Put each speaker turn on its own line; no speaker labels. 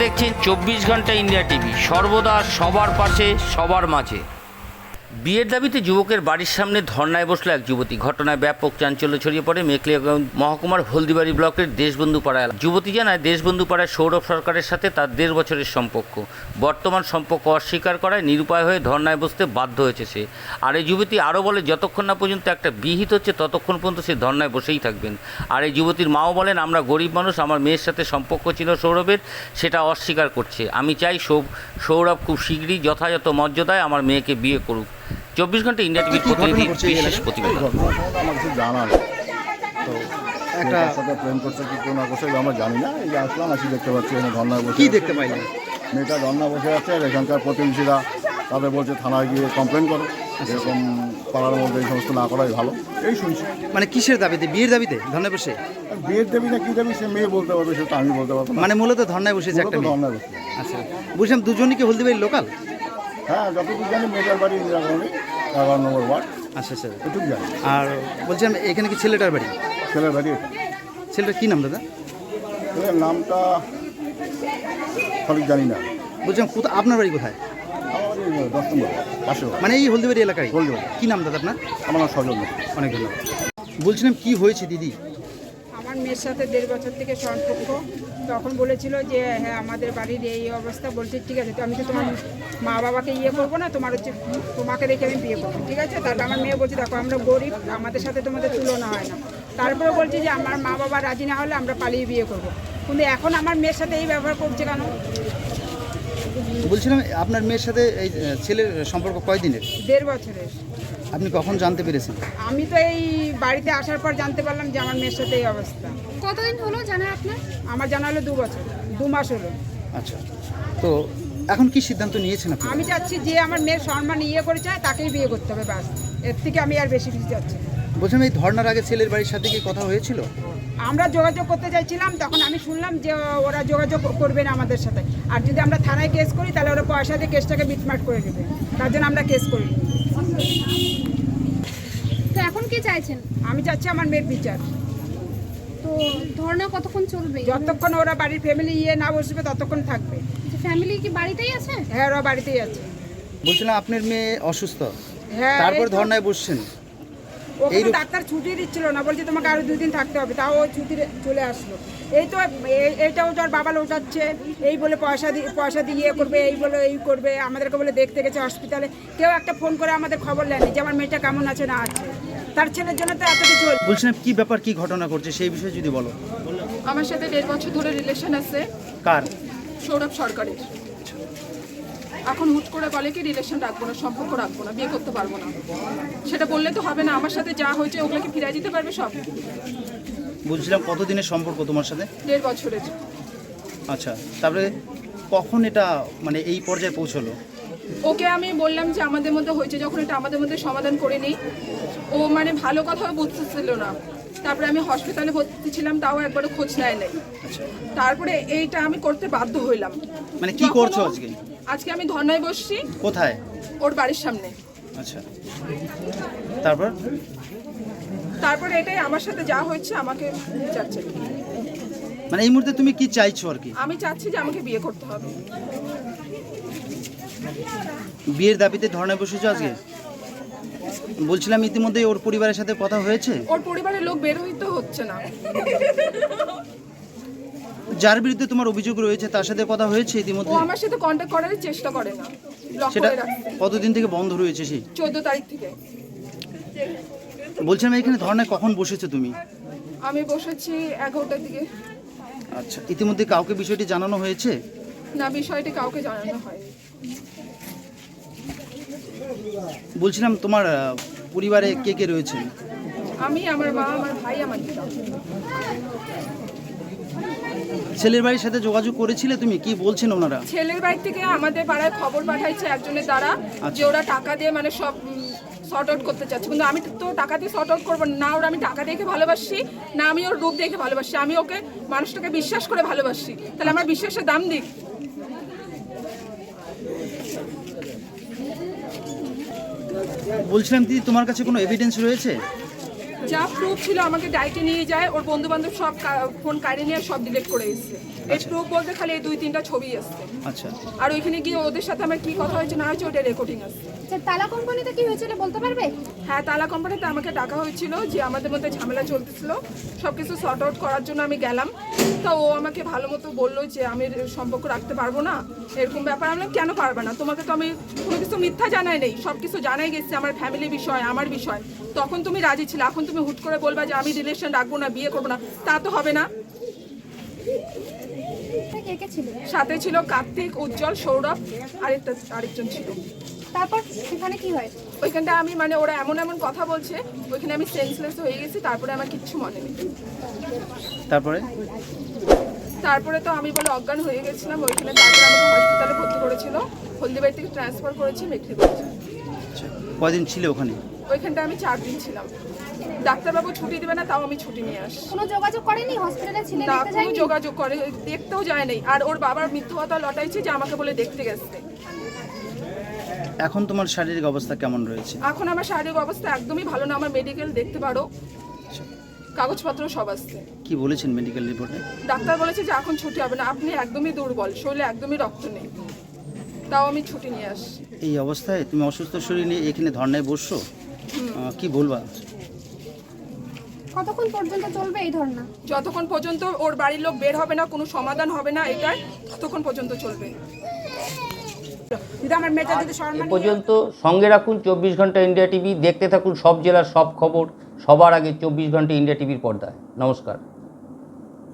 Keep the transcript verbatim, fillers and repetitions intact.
দেখছেন চব্বিশ ঘন্টা ইন্ডিয়া টিভি, সর্বদা সবার পাশে সবার মাঝে। বিয়ের দাবিতে যুবকের বাড়ির সামনে ধর্নায় বসলো এক যুবতী। ঘটনায় ব্যাপক চাঞ্চল্য ছড়িয়ে পড়ে মেখলিয়াগঞ্জ মহকুমার হলদিবাড়ি ব্লকের দেশবন্ধু পাড়ায়। যুবতী জানায়, দেশবন্ধু পাড়ায় সৌরভ সরকারের সাথে তার দেড় বছরের সম্পর্ক। বর্তমান সম্পর্ক অস্বীকার করায় নিরুপায় হয়ে ধর্নায় বসতে বাধ্য হয়েছে সে। আর এই যুবতী আরও বলে, যতক্ষণ না পর্যন্ত একটা বিহিত হচ্ছে ততক্ষণ পর্যন্ত সে ধর্নায় বসেই থাকবেন। আর এই যুবতীর মাও বলেন, আমরা গরিব মানুষ, আমার মেয়ের সাথে সম্পর্ক ছিল সৌরভের, সেটা অস্বীকার করছে। আমি চাই সৌরভ খুব শীঘ্রই যথাযথ মর্যাদায় আমার মেয়েকে বিয়ে করুক। চব্বিশ ঘন্টা ইন্ডিয়া টিভির প্রতিনিধি বিশেষ প্রতিবেদন।
আমার কিছু জানা নেই, তো একটা সাথে প্রেম করছে কি কোনো করছে আমরা জানি না। এই যে আসলাম, আসি দেখতে পাচ্ছি এখানে ধর্নায় বসে।
কি দেখতে পাইলেন?
মেয়েটা ধর্না বসে আছে, আর এখানকার প্রতিবেশীরা তাদের বলছে থানায় গিয়ে কমপ্লেন করো, এরকম পাড়ার মধ্যে এই সমস্ত না করাই ভালো। এই শুনছি।
মানে কিসের দাবিতে? বিয়ের দাবিতে ধর্নায় বসে?
বিয়ের দেবী না কি দেবী সে মেয়ে বলতে পারবে, সেটা আমি বলতে পারবো না।
মানে মূলত ধর্নায় বসেছে একটা মেয়ে।
ধর্নায় বসে।
আচ্ছা, বুঝলাম দুজনই কি হলদিবাড়ির লোকাল?
হ্যাঁ, যতটুকু জানি মেয়েটার বাড়ি ইন্দিরা কলোনি এগারো নম্বর ওয়ার্ড।
আচ্ছা আচ্ছা,
এটুকু জানি।
আর বলছিলাম এখানে কি ছেলেটার বাড়ি?
ছেলের বাড়ি এটা।
ছেলেটার কী নাম দাদা?
ছেলের নামটা সঠিক জানি না।
বলছিলাম কোথা, আপনার বাড়ি কোথায়?
আমার বাড়ি দশ নম্বর পাশে।
মানে এই হলদিবাড়ি এলাকায়?
হলদিবাড়ি।
কী নাম দাদা আপনার?
আমার নাম সজল।
অনেক ধন্যবাদ। বলছিলাম কি হয়েছে দিদি?
আমার মেয়ের সাথে দেড় বছর থেকে সম্পর্ক। তখন বলেছিল যে হ্যাঁ আমাদের বাড়ির এই অবস্থা। বলছে ঠিক আছে, তো আমি তো তোমার মা বাবাকে ইয়ে করবো না, তোমার হচ্ছে তোমাকে রেখে আমি বিয়ে করবো, ঠিক আছে। তারপর আমার মেয়ে বলছে দেখো আমরা গরিব, আমাদের সাথে তোমাদের তুলনা হয় না। তারপরে বলছে যে আমার মা বাবা রাজি না হলে আমরা পালিয়ে বিয়ে করবো। কিন্তু এখন আমার মেয়ের সাথে এই ব্যবহার করছে কেন?
বলছিলাম আপনার মেয়ের সাথে এই ছেলের সম্পর্ক কয়দিনের?
দেড় বছরের।
আপনি কখন জানতে পেরেছেন?
আমি তো এই বাড়িতে আসার পর জানতে পারলাম যে আমার মেয়ের সাথে এই অবস্থা।
কতদিন হলো জানা আপনার?
আমার জানা হলো দু বছর, দু মাস হলো।
আচ্ছা, তো এখন কি সিদ্ধান্ত নিয়েছেন আপনি?
আমি চাচ্ছি যে আমার মেয়ের সম্মান ইয়ে করে চায় তাকেই বিয়ে করতে হবে, ব্যাস। এর থেকে আমি আর বেশি কিছু চাচ্ছি না।
বলছিলাম এই ধর্নার আগে ছেলের বাড়ির সাথে কি কথা হয়েছিল?
আমরা যোগাযোগ করতে চাইছিলাম, তখন আমি শুনলাম যে ওরা যোগাযোগ করবে না আমাদের সাথে। আর যদি আমরা থানায় কেস করি তাহলে ওরা পয়সা দিয়ে কেসটাকে মিটমাট করে দেবে, তার জন্য আমরা কেস করি।
তো এখন কি চাইছেন?
আমি চাচ্ছি আমার মেয়ের বিচার।
তো ধর্ণা কতক্ষণ চলবে?
যতক্ষণ ওরা বাড়ির ফ্যামিলি ইয়ে না বসবে ততক্ষণ থাকবে।
ফ্যামিলি কি বাড়িতেই আছে?
হ্যাঁ, ওরা বাড়িতেই আছে।
বলছিলাম আপনার মেয়ে অসুস্থ,
হ্যাঁ,
তারপর
এই তো।
ধর্নায় বসছেন।
ওখানে
এইরূপ-
ডাক্তার ছুটি দিচ্ছিল না, বলছে তোমাকে আরো দুদিন থাকতে হবে, তাও ও ছুটি চলে আসলো। এই তো এই- এইটাও তো আর বাবা লোটাচ্ছে, এই বলে পয়সা দিয়ে পয়সা দিয়ে ইয়ে করবে, এই বলে এই করবে, আমাদেরকে বলে দেখতে গেছে হসপিটালে। কেউ একটা ফোন করে আমাদের খবর নেয়নি যে আমার মেয়েটা কেমন আছে না আছে। তার ছেলের জন্য তো এত কিছু হলো।
বলছিলাম কি ব্যাপার, কি ঘটনা ঘটছে সেই বিষয়ে যদি বলো।
আমার সাথে দেড় বছর ধরে রিলেশন আছে
কার?
সৌরভ সরকারের। এখন হুট করে বলে কি রিলেশন রাখবো না, সম্পর্ক রাখবো না, বিয়ে করতে পারবো না। সেটা বললে তো হবে না। আমার সাথে যা হয়েছে ওগুলোকে ফিরিয়ে দিতে পারবে সব।
বলছিলাম কতদিনের সম্পর্ক তোমার সাথে?
দেড় বছরের।
আচ্ছা, তারপরে কখন এটা মানে এই পর্যায়ে পৌঁছলো?
ওকে আমি বললাম যে আমাদের মধ্যে হয়েছে যখন এটা আমাদের মধ্যে সমাধান করে নিই। ও মানে ভালো কথাও বুঝতেছিল না। তারপরে আমি হসপিটালে ভর্তি ছিলাম, তাও একবারও খোঁজ নেয় নাই। তারপরে এইটা আমি করতে বাধ্য হইলাম।
মানে কি
যখন
করছো
ও-
আজকে?
আজকে আমি ধর্নায় বসছি
কোথায়?
ওর বাড়ির সামনে।
আচ্ছা, তারপর?
তারপরে এটাই আমার সাথে যা হয়েছে আমাকে বিচার চাই।
মানে এই মুহূর্তে তুমি কি চাইছো আর কি?
আমি চাচ্ছি যে আমাকে বিয়ে করতে হবে।
বিয়ের দাবিতে ধর্নায় বসেছো আজকে? বলছিলাম ইতিমধ্যে ওর পরিবারের সাথে কথা হয়েছে?
ওর পরিবারের লোক বের হইতে হচ্ছে না।
যার বিরুদ্ধে তোমার অভিযোগ রয়েছে তার সাথে কথা হয়েছে
ও
ইতিমধ্যে?
আমার সাথে কন্ট্যাক্ট করার চেষ্টা করে না, ব্লক
সেটা
করে রাখছে
কতদিন থেকে বন্ধ রয়েছে সেই?
চোদ্দ তারিখ থেকে।
বলছিলাম এখানে ধর্নায় কখন বসেছো তুমি?
আমি বসেছি এগারোটার দিকে।
আচ্ছা, ইতিমধ্যে কাউকে বিষয়টি জানানো হয়েছে?
না, বিষয়টি কাউকে জানানো হয়।
বলছিলাম তোমার আহ, পরিবারে কে কে রয়েছে?
আমি, আমার মা, আমার ভাই, আমার দিদা।
ছেলের বাড়ির সাথে যোগাযোগ করেছিলে তুমি? কি বলছেন ওনারা?
ছেলের বাড়ি থেকে আমাদের পাড়ায় খবর পাঠাইছে একজনের দ্বারা যে ওরা টাকা দিয়ে মানে সব শর্ট আউট করতে চাচ্ছে। কিন্তু আমি তো টাকা দিয়ে শর্ট আউট করবো না। ওরা আমি টাকা দেখে ভালোবাসি না, আমি ওর রূপ দেখে ভালোবাসি। আমি ওকে মানুষটাকে বিশ্বাস করে ভালোবাসি, তাহলে আমার বিশ্বাসের দাম দিক।
বলছিলাম দিদি তোমার কাছে কোনো এভিডেন্স রয়েছে?
যা প্রুফ ছিল আমাকে ডাইটে নিয়ে যায়, ওর বন্ধু বান্ধব সব কা- ফোন কাড়ে নিয়ে সব ডিলিট করে এসছে। এই প্রুফ বলতে খালি এই দুই তিনটা ছবি আসছে,
আচ্ছা
আর ওইখানে গিয়ে ওদের সাথে আমার কি কথা হয়েছে না হয়েছে ওটা রেকর্ডিং আছে।
আচ্ছা, তালা কোম্পানিতে কি হয়েছিল বলতে পারবে?
হ্যাঁ, তালা কোম্পানিতে আমাকে ডাকা হয়েছিল যে আমাদের মধ্যে ঝামেলা চলতেছিল, সব কিছু সর্ট আউট করার জন্য আমি গেলাম। তো ও আমাকে ভালো মতো বললো যে আমি এর সম্পর্ক রাখতে পারবো না, এরকম ব্যাপার। আমি বললাম, কেন পারবে না? তোমাকে তো আমি কোনো কিছু মিথ্যা জানাই নেই, সব কিছু জানাই গেছে, আমার ফ্যামিলি বিষয়, আমার বিষয়। তখন তুমি রাজি ছিলে, এখন তুমি হুট করে বলবা যে আমি রিলেশন রাখবো না, বিয়ে করবো না, তা তো হবে না।
কে কে ছিল?
সাথে ছিল কার্তিক, উজ্জ্বল, সৌরভ, আরেকটা আরেকজন ছিল।
তারপর সেখানে কি হয়?
ওইখানটা আমি মানে ওরা এমন এমন কথা বলছে, ওইখানে আমি সেন্সলেস হয়ে গেছি। তারপরে আমার কিচ্ছু মনে নেই।
তারপরে
তারপরে তো আমি বলে অজ্ঞান হয়ে গেছিলাম ওইখানে। তারপরে আমাকে হসপিটালে ভর্তি করেছিল, হলদিবাড়ি থেকে ট্রান্সফার করেছি মেখলিগঞ্জ।
আচ্ছা কয়দিন ছিলে ওখানে?
ওইখানটা আমি চার দিন ছিলাম। ডাক্তারবাবু ছুটি দেবে না, তাও আমি ছুটি নিয়ে আসি।
কোনো যোগাযোগ করেনি হসপিটালে ছিলে
না,
দেখতে
কোনো
যায়নি?
যোগাযোগ করে, দেখতেও যায় নাই। আর ওর বাবার মিথ্যা কথা লটাইছে যে আমাকে বলে দেখতে গেছে।
এখন তোমার শারীরিক অবস্থা কেমন রয়েছে?
এখন আমার শারীরিক অবস্থা একদমই ভালো না। আমার মেডিকেল দেখতে পারো, কাগজপত্র সব আসছে।
কি বলেছেন মেডিকেল রিপোর্টে?
ডাক্তার বলেছে যে এখন ছুটি হবে না, আপনি একদমই দুর্বল, শরীরে একদমই রক্ত নেই, তাও আমি ছুটি নিয়ে আসি।
এই অবস্থায় তুমি অসুস্থ শরীর নিয়ে এখানে ধর্নায় বসছো, আহ, কি বলবা?
কতক্ষণ পর্যন্ত চলবে এই ধর্ণা?
যতক্ষণ পর্যন্ত ওর বাড়ির লোক বের হবে না, কোনো সমাধান হবে না এটাই, ততক্ষণ পর্যন্ত চলবে।
যদি আমার মেয়েটা যদি
এ
সম্মান
পর্যন্ত সঙ্গে রাখুন চব্বিশ ঘন্টা ইন্ডিয়া টিভি, দেখতে থাকুন সব জেলার সব খবর সবার আগে চব্বিশ ঘন্টা ইন্ডিয়া টিভির পর্দায়। নমস্কার।